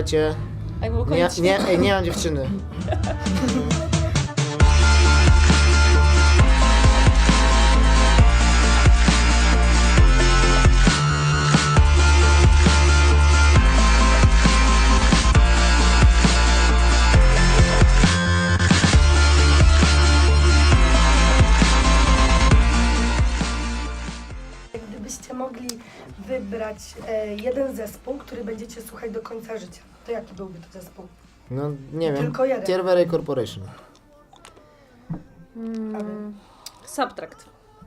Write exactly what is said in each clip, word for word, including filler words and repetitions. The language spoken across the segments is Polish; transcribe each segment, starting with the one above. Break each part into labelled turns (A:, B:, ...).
A: słuchajcie,
B: A jak było
A: nie,
B: koniec
A: nie,
B: świata?
A: ej, nie mam dziewczyny.
C: Gdybyście mogli wybrać e, jeden zespół, który będziecie słuchać do końca życia, to jaki byłby to zespół?
A: No nie wiem,
C: Tylko jeden.
A: Tiervery Corporation.
B: Mm, subtract.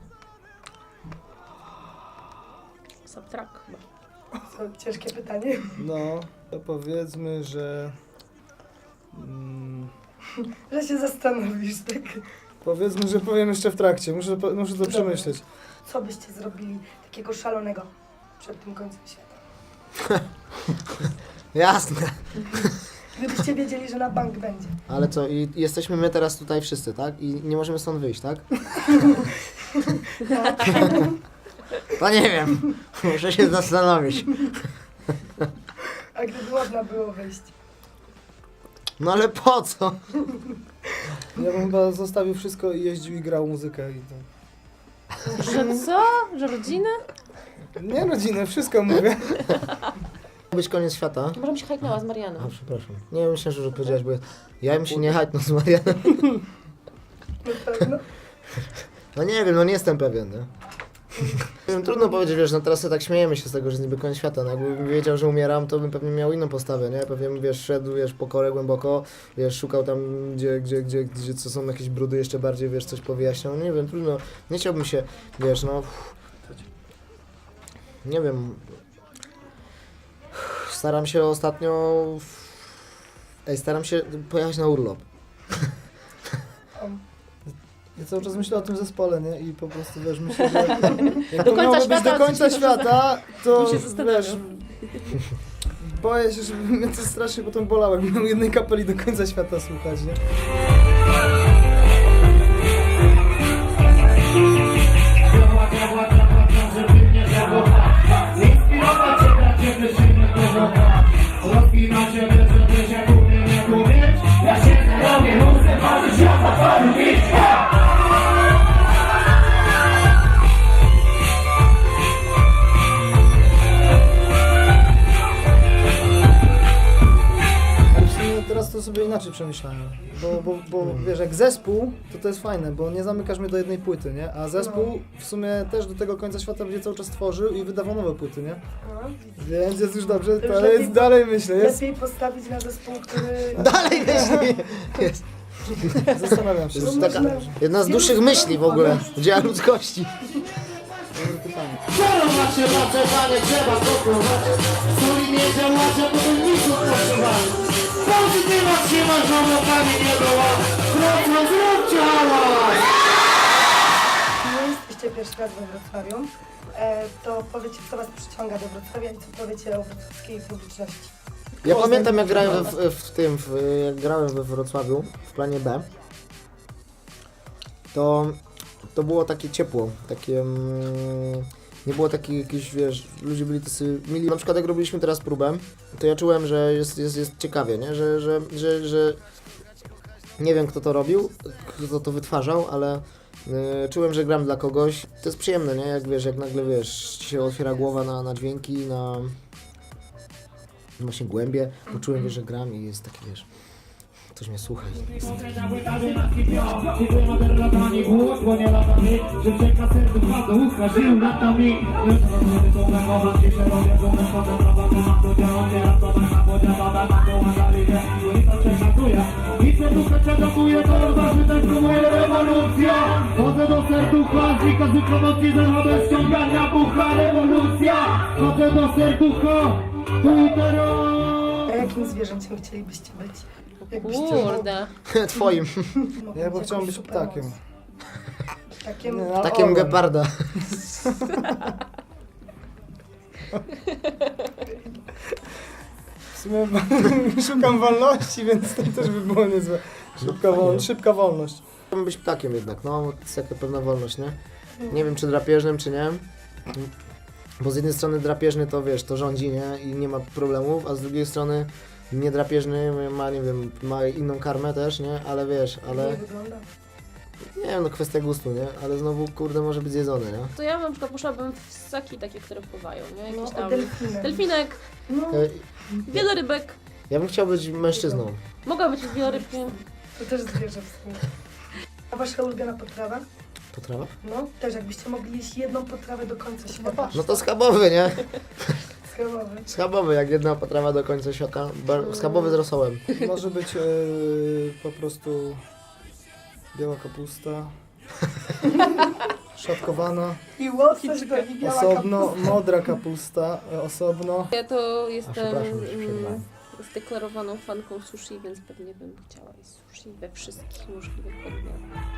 B: Subtract chyba.
C: To ciężkie pytanie.
D: No, to powiedzmy, że... Mm,
C: Że się zastanowisz, tak?
D: powiedzmy, że powiem jeszcze w trakcie, muszę, to- muszę to
C: Dobra.
D: przemyśleć.
C: Co byście zrobili takiego szalonego przed tym końcem świata?
A: Jasne.
C: Gdybyście wiedzieli, że na bank będzie.
A: Ale co, i jesteśmy my teraz tutaj wszyscy, tak? I nie możemy stąd wyjść, tak? To nie wiem. Muszę się zastanowić.
C: A gdyby można było wyjść?
A: No ale po co?
D: Ja bym chyba zostawił wszystko i jeździł i grał muzykę i to...
B: Że co? Że rodzinę?
D: Nie rodzinę, wszystko mówię.
A: Być koniec świata.
B: Może mi się hajknęła z Marianą.
A: A, przepraszam. Nie, myślę, że już powiedziałeś, bo ja bym się nie hajtnął z Marianem.
C: Na pewno.
A: No nie wiem, no nie jestem pewien, nie? Nie wiem, trudno powiedzieć, wiesz, no teraz sobie tak śmiejemy się z tego, że jest niby koniec świata, no jakbym wiedział, że umieram, to bym pewnie miał inną postawę, nie? Pewnie bym, wiesz, szedł, wiesz, po korę głęboko, wiesz, szukał tam, gdzie, gdzie, gdzie, gdzie co są jakieś brudy jeszcze bardziej, wiesz, coś powyjaśniał, nie wiem, trudno, nie chciałbym się, wiesz, no... Nie wiem... Staram się ostatnio... Ej, staram się pojechać na urlop.
D: Ja cały czas myślę o tym zespole, nie? I po prostu, wiesz, myślę, że jak
B: Do
D: to
B: końca
D: miało być
B: świata,
D: do końca
B: to się-
D: świata, to,
B: to się zastanawiam.
D: wiesz, boję się, żeby mnie to strasznie potem bolało, jakbym miał jednej kapeli do końca świata słuchać, nie? Ale w sumie teraz to sobie inaczej przemyślałem, bo, bo, bo wiesz, jak zespół, to to jest fajne, bo nie zamykasz mnie do jednej płyty, nie? A zespół w sumie też do tego końca świata będzie cały czas tworzył i wydawał nowe płyty, nie?
C: No,
D: Więc jest już dobrze,
C: To już
D: ale
C: lepiej-
D: jest, dalej myślę, jest,
C: lepiej postawić na zespół, który...
A: Dalej myśli! Jest.
D: zastanawiam się.
A: To jest
C: No
A: taka
C: można-
A: jedna z dłuższych myśli w ogóle, dzieła ludzkości.
D: Dobre pytanie.
E: macie, macie, panie, trzeba gotować. Soli nie działacie, bo to nic odpoczywać. Pozytywać się masz, no pani nie była. Wrocław, zróbcie hałas!
C: Nie jesteście pierwszy raz we Wrocławiu, e, to powiecie, co was przyciąga do Wrocławia i co powiecie o wrocławskiej publiczności.
A: Ja pamiętam jak grałem w, w, w tym, w, jak grałem we Wrocławiu w planie B, to, to było takie ciepło, takie, mm, nie było takich jakichś, wiesz, ludzie byli tacy mili. Na przykład jak robiliśmy teraz próbę, to ja czułem, że jest, jest, jest ciekawie, nie? Że, że, że, że nie wiem kto to robił, kto to wytwarzał, ale y, czułem, że gram dla kogoś. To jest przyjemne, nie? Jak wiesz, jak nagle wiesz, ci się otwiera głowa na, na dźwięki, na właśnie głębie, poczułem, wiesz, że gram i jest taki, wiesz, ktoś mnie słucha.
E: Chodzę do serducha, z wykazu promocji, zachodzę ściągania bucha, rewolucja! Chodzę do serducha, tu i teraz!
C: A jakim zwierzęciem chcielibyście być? Jakbyście
B: Kurde.
A: Twoim.
C: mogli
D: Ja bo
C: mieć
D: chciałem
C: jakąś
D: być
C: supermoc?
D: ptakiem.
C: Ptakiem?
D: Nie, no,
A: Takiem
D: orłem.
A: geparda.
D: W sumie szukam wolności, więc to też by było niezłe. Szybka, wol, szybka wolność.
A: Chciałbym być ptakiem jednak, no, to jest jaka pewna wolność, nie? Nie wiem, czy drapieżnym, czy nie. Bo z jednej strony drapieżny to, wiesz, to rządzi, nie? I nie ma problemów, a z drugiej strony niedrapieżny, ma, nie wiem, ma inną karmę też, nie? Ale wiesz, ale...
C: Nie wygląda.
A: Nie wiem, no kwestia gustu, nie? Ale znowu, kurde, może być zjedzone, nie?
B: To ja na przykład poszłabym w ssaki takie, które pływają, nie?
C: No,
B: Jakiś tam
C: delfiny.
B: delfinek,
C: No,
A: E,
B: wielorybek.
A: Ja bym chciał być mężczyzną.
B: Mogła być wielorybkiem.
C: to też zwierzę w sumie. A wasza ulubiona potrawa?
A: Potrawa?
C: No, też jakbyście mogli jeść jedną potrawę do końca świata.
A: No to schabowy, nie?
C: Schabowy.
A: Schabowy, jak jedna potrawa do końca świata. Bar- Schabowy z rosołem.
D: Może być e, po prostu biała kapusta, szatkowana,
C: I łosoś do i biała
D: osobno,
C: kapusta.
D: modra kapusta, e, osobno.
B: Ja to
A: A
B: jestem
A: przepraszam, że się
B: mm,
A: przerwałem.
B: zdeklarowaną fanką sushi, więc pewnie bym chciała jeść sushi we wszystkich możliwych odmianach.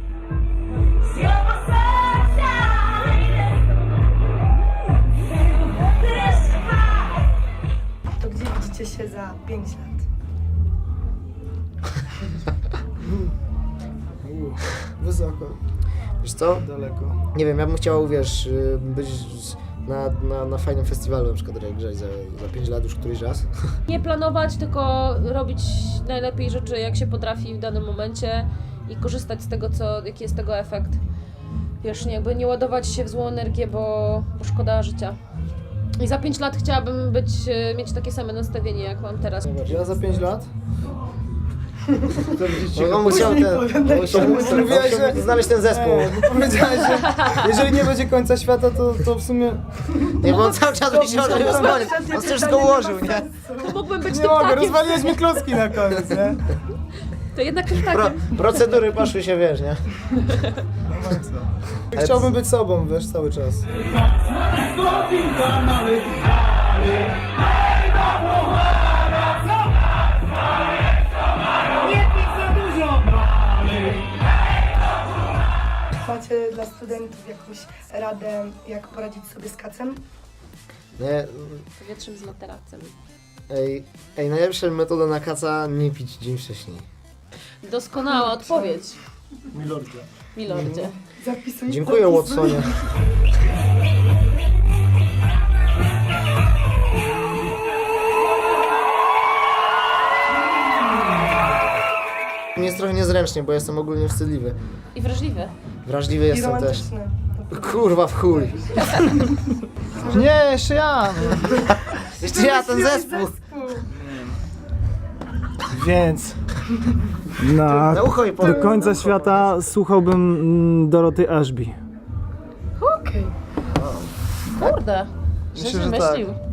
C: To gdzie widzicie się za pięć lat?
D: U, wysoko,
A: Wiesz co?
D: daleko.
A: Nie wiem, ja bym chciał, wiesz, y, być z- na, na, na fajnym festiwalu, na przykład jak grać za, za pięć lat już któryś raz.
B: Nie planować, tylko robić najlepiej rzeczy, jak się potrafi w danym momencie i korzystać z tego, co, jaki jest tego efekt. Wiesz, nie, jakby nie ładować się w złą energię, bo, bo szkoda życia. I za pięć lat chciałabym być, e, mieć takie same nastawienie, jak mam teraz.
D: Ja za pięć lat? To widzicie,
A: No, on musiał ten, on musiał, on musiał
D: Mówiłeś, że-
A: znaleźć ten zespół.
D: E, bo powiedziałeś, że jeżeli nie będzie końca świata, to, to w sumie
A: Nie, bo on cały czas myślał, że już koniec. On wszystko ułożył, nie?
B: To mógłbym być
D: nie
B: tym
D: mogę,
B: takiem.
D: rozwaliłeś mi klocki na koniec, nie?
B: To jednak tym
A: Pro,
B: takiem.
A: procedury poszły się, wiesz, nie?
D: Chciałbym być sobą, wiesz, cały czas.
C: Macie dla studentów jakąś radę, jak poradzić sobie z kacem?
A: Nie,
B: Powietrzem z materacem.
A: ej, ej, najlepsza metoda na kaca, nie pić dzień wcześniej.
B: Doskonała odpowiedź,
D: Milordzie.
B: milordzie.
C: Zapisuj.
A: Dziękuję,
C: zapisuj.
A: Watsonie. Mi jest trochę niezręcznie, bo jestem ogólnie wstydliwy.
B: I wrażliwy.
A: Wrażliwy
C: I
A: jestem też.
C: romantyczne.
A: Kurwa w chuj.
D: Nie, jeszcze ja!
A: Jeszcze ja ten zespół.
F: Więc na
A: Na ucho i
F: do
A: powiem.
F: końca świata słuchałbym mm, Doroty Ashby.
C: Okej.
B: Kurde,
D: Myślę,
B: że
D: że
B: myślił.